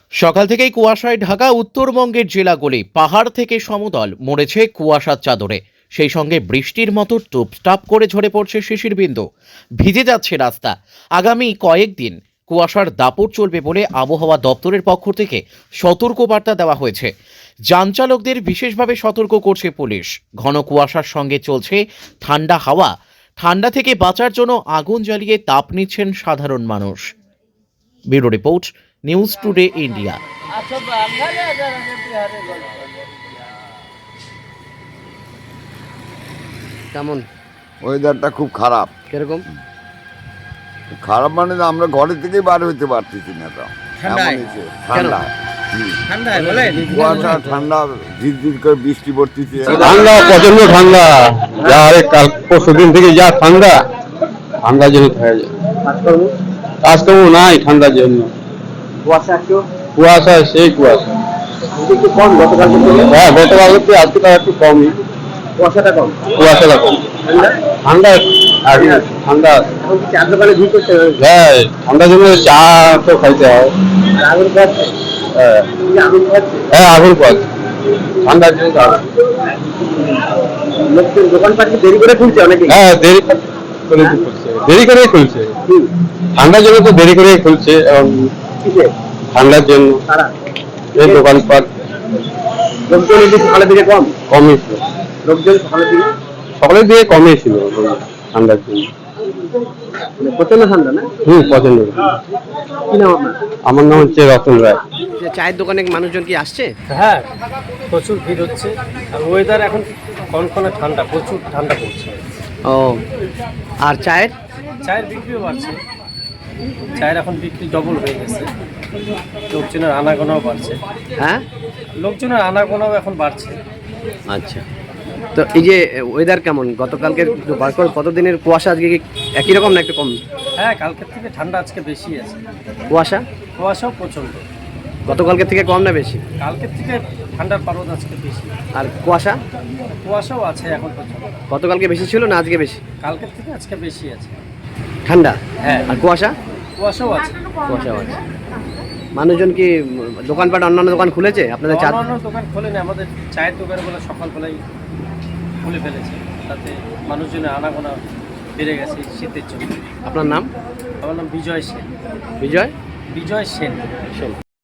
সকাল থেকেই কুয়াশায় ঢাকা উত্তরবঙ্গের জেলাগুলি, পাহাড় থেকে সমতল মরেছে কুয়াশার চাদরে। সেই সঙ্গে বৃষ্টির মতো টুপটাপ করে ঝরে পড়ছে শিশির বিন্দু, ভিজে যাচ্ছে রাস্তা। আগামী কয়েকদিন কুয়াশার দাপট চলবে বলে আবহাওয়া দপ্তরের পক্ষ থেকে সতর্কবার্তা দেওয়া হয়েছে। যান চালকদের বিশেষভাবে সতর্ক করছে পুলিশ। ঘন কুয়াশার সঙ্গে চলছে ঠান্ডা হাওয়া। ঠান্ডা থেকে বাঁচার জন্য আগুন জ্বালিয়ে তাপ নিচ্ছেন সাধারণ মানুষ। Bureau report, news today India. কেমন ওয়েদারটা খুব খারাপ। কিরকম? খারাপ মানে আমরা ঘরে থেকেই বার হইতে পারতেছি না। তো ঠান্ডায়? এমন হয়েছে, ঠান্ডা ঠান্ডায় বলে কুয়াশা, ঠান্ডা, ঝিরঝির করে বৃষ্টি পড়তেছে। ঠান্ডা, প্রচন্ড ঠান্ডা। যা কাল পরশু দিন থেকে যা ঠান্ডা, ঠান্ডার জন্য হয়ে যায়। কাজকর্ম নাই ঠান্ডার জন্য। কুয়াশা, সেই কুয়াশা। হ্যাঁ, গতকাল আজকে তার একটু কমই। কুয়াশাটা কম। ঠান্ডা ঠান্ডা। হ্যাঁ, ঠান্ডার জন্য চা তো খাইতে হয়। হ্যাঁ, আগুন পাচ্ছে ঠান্ডার জন্য। দোকানপাট দেরি করে খুলছে অনেকে। হ্যাঁ, দেরি করে খুলছে। ঠান্ডার জন্য তো দেরি করে খুলছে। ঠান্ডার জন্য এই দোকানপাট লোকজন সকালের দিকে কমই ছিল। লোকজন সকালের দিকে কমই ছিল ঠান্ডার জন্য। প্রচন্ড ঠান্ডা না? পছন্দ। কি নাম আপনার? আমার নাম হচ্ছে রতন রায়। চায়ের দোকানে মানুষজন কি আসছে? হ্যাঁ, প্রচুর ভিড় হচ্ছে। আর ওয়েদার এখন কনকনে ঠান্ডা, প্রচুর ঠান্ডা পড়ছে। ও, আর চায়ের চায়ের বিক্রিও বাড়ছে। চায়ের এখন বিক্রি ডবল হয়ে গেছে। লোকজনের আনাগোনাও বাড়ছে। হ্যাঁ, লোকজনের আনাগোনাও এখন বাড়ছে। আচ্ছা। তো এই যে ওয়েদার কেমন? গতকালকে কতদিনের কুয়াশা আজকে কি একই রকম না একটু কম? হ্যাঁ, কালকের থেকে ঠান্ডা আজকে বেশি আছে। কুয়াশা কুয়াশাও প্রচণ্ড। গতকালকের থেকে কম না বেশি? কালকের থেকে ঠান্ডার পারদ আজকে বেশি। আর কুয়াশা কুয়াশাও আছে এখন পর্যন্ত। গতকালকে বেশি ছিল না আজকে বেশি? কালকের থেকে আজকে বেশি আছে। ঠান্ডা? হ্যাঁ। আর কুয়াশা? কুয়াশাও আছে। কুয়াশাও আছে। মানুষজন কি দোকানপাট অন্যান্য দোকান খুলেছে আপনাদের? চা অন্য দোকান খোলেনি, আমাদের চায়ের দোকানগুলো সকালবেলায় খুলে ফেলেছে। তাতে মানুষজনের আনাগোনা বেড়ে গেছে শীতের জন্য। আপনার নাম? আমার নাম বিজয় সেন। বিজয় বিজয় সেন।